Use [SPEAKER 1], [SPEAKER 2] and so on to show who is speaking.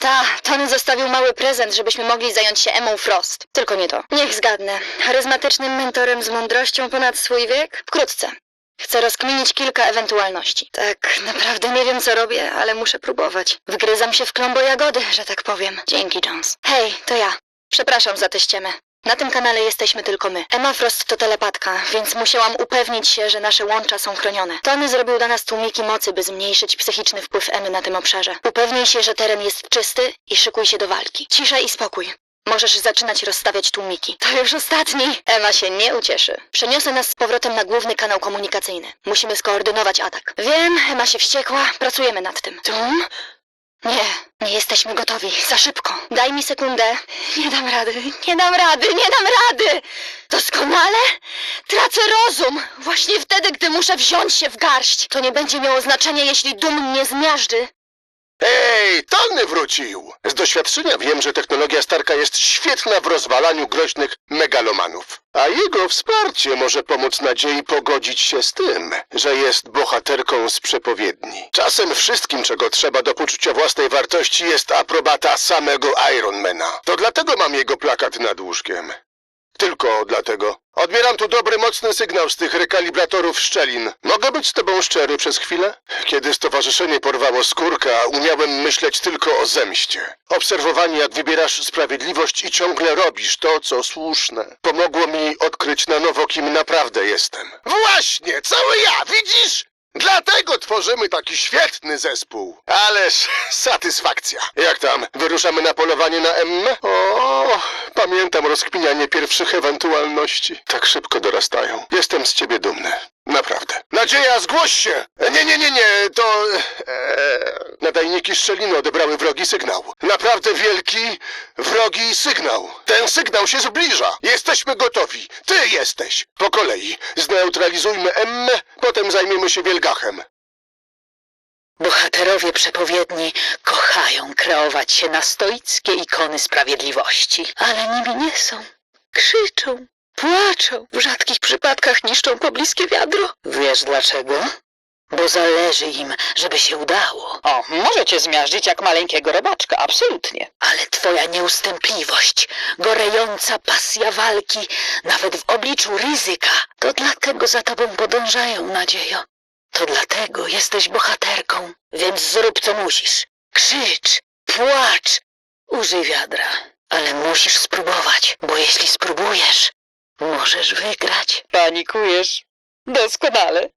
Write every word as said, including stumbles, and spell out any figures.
[SPEAKER 1] Ta, Tony zostawił mały prezent, żebyśmy mogli zająć się Emmą Frost. Tylko nie to. Niech zgadnę. Charyzmatycznym mentorem z mądrością ponad swój wiek? Wkrótce. Chcę rozkminić kilka ewentualności. Tak, naprawdę nie wiem, co robię, ale muszę próbować. Wgryzam się w klombo jagody, że tak powiem. Dzięki, Jones. Hej, to ja. Przepraszam za tę ściemę. Na tym kanale jesteśmy tylko my. Emma Frost to telepatka, więc musiałam upewnić się, że nasze łącza są chronione. Tony zrobił dla nas tłumiki mocy, by zmniejszyć psychiczny wpływ Emmy na tym obszarze. Upewnij się, że teren jest czysty i szykuj się do walki. Cisza i spokój. Możesz zaczynać rozstawiać tłumiki. To już ostatni. Emma się nie ucieszy. Przeniosę nas z powrotem na główny kanał komunikacyjny. Musimy skoordynować atak. Wiem, Emma się wściekła. Pracujemy nad tym. Tum? Nie, nie jesteśmy gotowi. Za szybko. Daj mi sekundę. Nie dam rady, nie dam rady, nie dam rady! Doskonale? Tracę rozum! Właśnie wtedy, gdy muszę wziąć się w garść. To nie będzie miało znaczenia, jeśli dum mnie zmiażdży.
[SPEAKER 2] Ej, Tony wrócił! Z doświadczenia wiem, że technologia Starka jest świetna w rozwalaniu groźnych megalomanów. A jego wsparcie może pomóc nadziei pogodzić się z tym, że jest bohaterką z przepowiedni. Czasem wszystkim, czego trzeba do poczucia własnej wartości, jest aprobata samego Ironmana. To dlatego mam jego plakat nad łóżkiem. Tylko dlatego. Odbieram tu dobry, mocny sygnał z tych rekalibratorów szczelin. Mogę być z tobą szczery przez chwilę? Kiedy stowarzyszenie porwało skórka, umiałem myśleć tylko o zemście. Obserwowanie, jak wybierasz sprawiedliwość i ciągle robisz to, co słuszne, pomogło mi odkryć na nowo, kim naprawdę jestem. Właśnie, cały ja, widzisz? Dlatego tworzymy taki świetny zespół. Ależ satysfakcja. Jak tam? Wyruszamy na polowanie na Emmę? O, pamiętam rozkminianie pierwszych ewentualności. Tak szybko dorastają. Jestem z ciebie dumny. Naprawdę. Nadzieja, zgłoś się! Nie, nie, nie, nie, to... Eee, nadajniki szczeliny odebrały wrogi sygnał. Naprawdę wielki, wrogi sygnał. Ten sygnał się zbliża. Jesteśmy gotowi. Ty jesteś. Po kolei. Zneutralizujmy Emmę, potem zajmiemy się Wielgachem.
[SPEAKER 3] Bohaterowie przepowiedni kochają kreować się na stoickie ikony sprawiedliwości, ale nimi nie są. Krzyczą, płaczą, w rzadkich przypadkach niszczą pobliskie wiadro. Wiesz dlaczego? Bo zależy im, żeby się udało.
[SPEAKER 4] O, możecie zmiażdżyć jak maleńkiego robaczka, absolutnie.
[SPEAKER 3] Ale twoja nieustępliwość, gorejąca pasja walki, nawet w obliczu ryzyka, to dlatego za tobą podążają, nadziejo. To dlatego jesteś bohaterką, więc zrób co musisz. Krzycz, płacz, użyj wiadra. Ale musisz spróbować, bo jeśli spróbujesz, możesz wygrać.
[SPEAKER 4] Panikujesz. Doskonale.